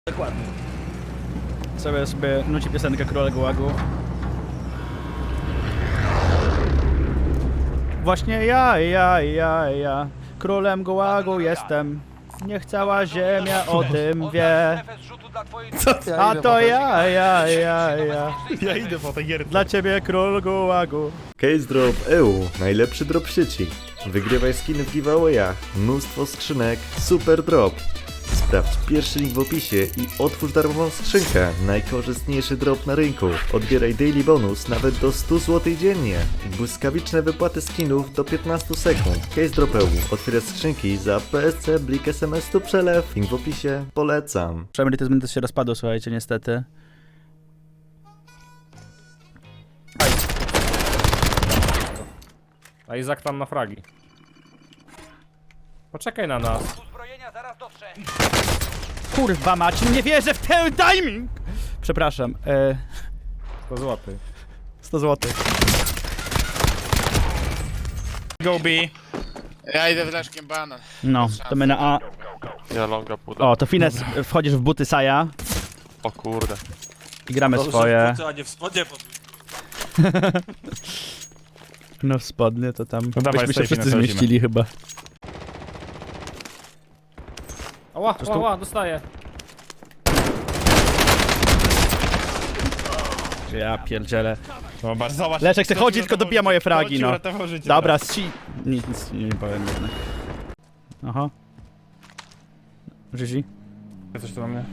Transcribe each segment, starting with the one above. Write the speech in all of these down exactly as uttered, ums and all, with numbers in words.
Dokładnie. Sobie sobie nuci piosenkę Króla Gułagu. Właśnie ja, ja, ja, ja Królem Gułagu jestem. Niech cała ziemia o tym wie. A to ja, ja, ja, ja. Ja idę po tej gierce. Dla ciebie Król Gułagu. Case Drop E U, najlepszy drop w sieci. Wygrywaj skiny w giveawayach, mnóstwo skrzynek, super drop. Sprawdź pierwszy link w opisie i otwórz darmową skrzynkę. Najkorzystniejszy drop na rynku. Odbieraj daily bonus nawet do stu złotych dziennie. Błyskawiczne wypłaty skinów do piętnastu sekund. Case Drop E U. Otwierasz skrzynki za P S C, blik, S M S tu przelew. Link w opisie. Polecam. Przemyrytyzm też się rozpadł, słuchajcie, niestety. A Izak tam na fragi. Poczekaj na nas. Kurwa mać, nie wierzę w ten timing! Przepraszam, e... To złoty. sto złotych. Go B. Ja idę wleczkiem banan. No, to my na A. Ja longa pudę. O, to Fines, wchodzisz w buty Saja O kurde. i gramy swoje. A nie w spodnie pod... No w spodnie to tam No dawaj, byśmy się safety wszyscy nachodzimy. zmieścili chyba. Ła, ła, ła, dostaję. Ja pierdzielę. Zobacz, zobacz. Leszek se chodzi, tylko dobija moje fragi, no. Życie, Dobra, si... Nic, nic nie powiem jednak. Aha. Żyzi? tak. Coś tu na mnie.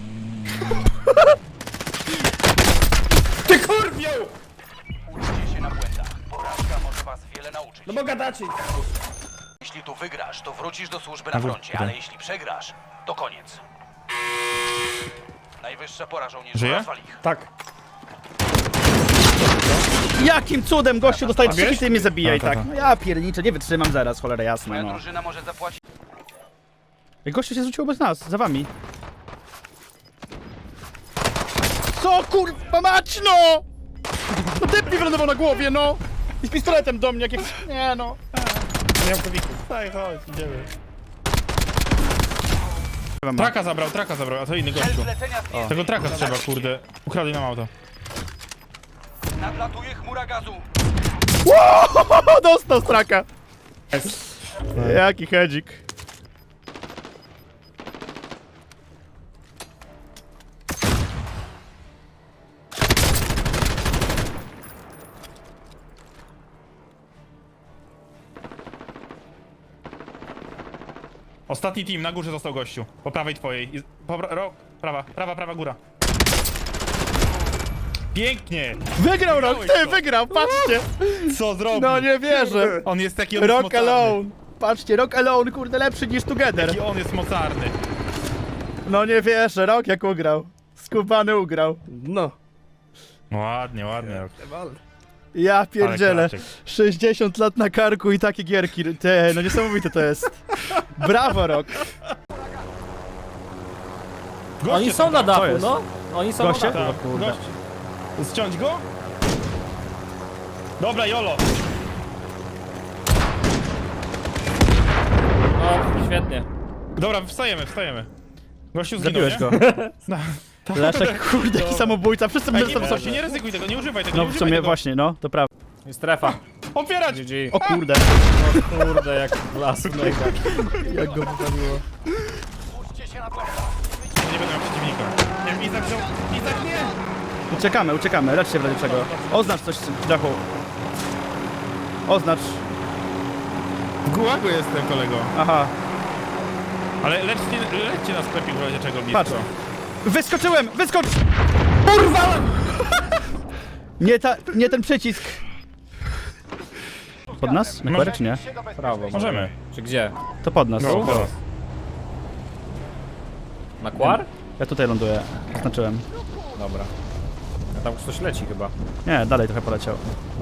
Uczcie się na błędach. Porażka może was wiele nauczyć. No bo gadacie. Jeśli tu wygrasz, to wrócisz do służby na froncie, ale jeśli przegrasz, to koniec. Najwyższa pora żołnierzy, Żyje? rozwal ich. Tak. Jakim cudem gościu dostaje trzy wiesz? hity i mnie zabija i Tak, tak. tak, No ja pierniczę, nie wytrzymam zaraz, cholera jasna, Moja no. drużyna może zapłacić. Jak gościu się zwrócił bez nas, za wami. Co kurwa mać, no! No typ mi wylądował na głowie, no! I z pistoletem do mnie, jak jak... Nie no. Nie mam kowików. Tak, chodź, idziemy. Ma. Traka zabrał, traka zabrał, a to inny Cel gościu. zlecenia zdjęty. Tego traka trzeba, kurde. Ukradli nam auto. Nadlatuje chmura gazu. O, dostał straka! Jaki hedzik. Ostatni team, na górze został gościu. Po prawej twojej. I- Po pra ro prawa, prawa, prawa góra. Pięknie! Wygrał rok, ty to. wygrał, patrzcie! Co zrobił? No nie wierzę! On jest taki, on jest Rock mocarny. Alone! Patrzcie, Rock Alone, kurde, lepszy niż Together. Jaki on jest mocarny. No nie wierzę, Rock jak ugrał. Skubany ugrał. No. Ładnie, ładnie. Rock. Ja pierdzielę. klaczek. sześćdziesiąt lat na karku i takie gierki. Te, no niesamowite to jest. Brawo, Rock. Goście Oni są na tam. Co dachu, jest? no. Oni są Goście? na dachu. Tak, gość. Zciąć go? Dobra, Jolo. No, świetnie. Dobra, wstajemy, wstajemy. Gościu zginął, Zabiłeś nie? go. No. Leszek, kurde, jaki samobójca. Wszyscy Ej, będą nie, tam wystarczy, sobie. nie ryzykuj tego, nie używaj tego, No nie w używaj sumie tego. właśnie, no, to prawda. I strefa. Otwierać! G G. O kurde. O kurde, jak las mega. Jak go wypaliło. Uczcie się na błędach. Nie będę miał przeciwnika. Nie, Izak wziął. Izak nie! Uciekamy, uciekamy, lecz się w razie czego. Oznacz coś w dachu. Oznacz. W gułagu jestem, kolego. Aha. Ale lećcie, lećcie na sklepik w razie czego blisko. Patrz. Wyskoczyłem! Wyskocz! Kurwa! Nie ta, nie ten przycisk. Pod nas? Na korek, czy nie? Prawo. Możemy. Czy gdzie? To pod nas. No, teraz. Na kwar? Ja tutaj ląduję. Oznaczyłem. Dobra. A tam ktoś leci chyba. Nie, dalej trochę poleciał.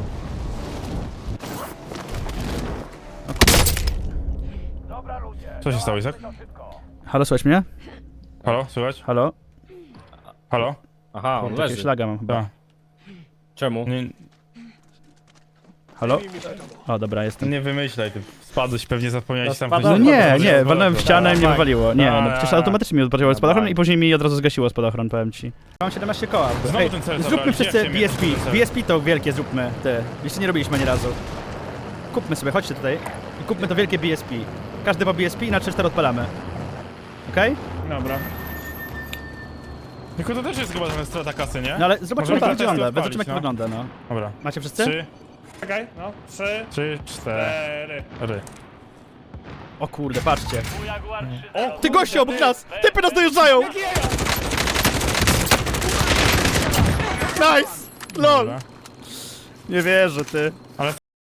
Co się stało, Izak? Halo, słychać mnie? Halo, słychać? Halo? Halo? Aha, on Jakiegoś leży. laga mam chyba. Tak. Czemu? Nie, Halo? O, dobra, jestem. nie wymyślaj, ty. Spadł Spadłeś, pewnie zapomniałeś tam spadłem. No coś- nie, coś- nie, coś- walnąłem w coś- ścianę i mnie tak. wywaliło. Nie, no A, przecież a, automatycznie mi odpaliło spadochron tak. i później mi od razu zgasiło spadochron, powiem ci. Mam siedemnaście koła. Znowu Ej, ten cel zróbmy zabrałeś, wszyscy nie chcę mieć B S P. ten cel. B S P to wielkie zróbmy, ty. Jeszcze nie robiliśmy ani razu. Kupmy sobie, chodźcie tutaj i kupmy to wielkie B S P. Każdy po B S P i na trzy cztery odpalamy. Okej? Dobra. Tylko to też jest chyba trochę strata kasy, nie? No ale zobaczymy Możemy jak to testy wygląda, odpalić, zobaczymy jak to no. wygląda, no. Dobra. Macie wszyscy? Trzy, Czekaj, no. Trzy, trzy, cztery. cztery. O kurde, patrzcie. O, Ty goście obok nas! Typy nas dojeżdżają! Nice! LOL! Dobra. Nie wierzę, ty. Ale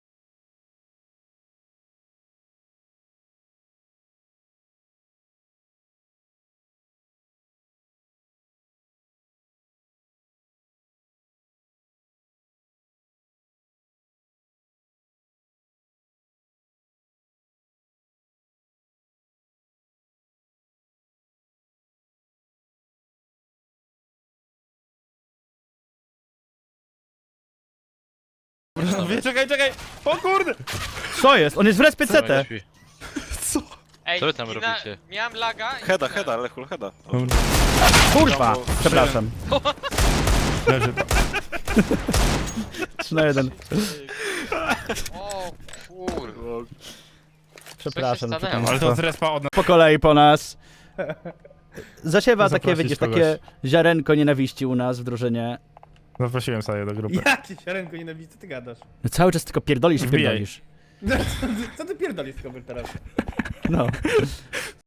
Wie, czekaj, czekaj! O kurde! Co jest? On jest w respie C T. Ej, Co wy tam i robicie? Miałem laga i... Heda, heda, Lechul, heda. Kurwa! Przepraszam. Leży. trzy na jeden. O kurwa. Przepraszam. stanęło? przepraszam. Ale to z respa od nas. Po kolei po nas. Zasiewa takie, Zaprosić widzisz, kogoś. takie ziarenko nienawiści u nas w drużynie. Zaprosiłem sobie do grupy. Jakie ziarenko nienawidzę, co ty gadasz? No cały czas tylko pierdolisz i Wbijaj. pierdolisz. Co ty pierdolisz tylko teraz? No.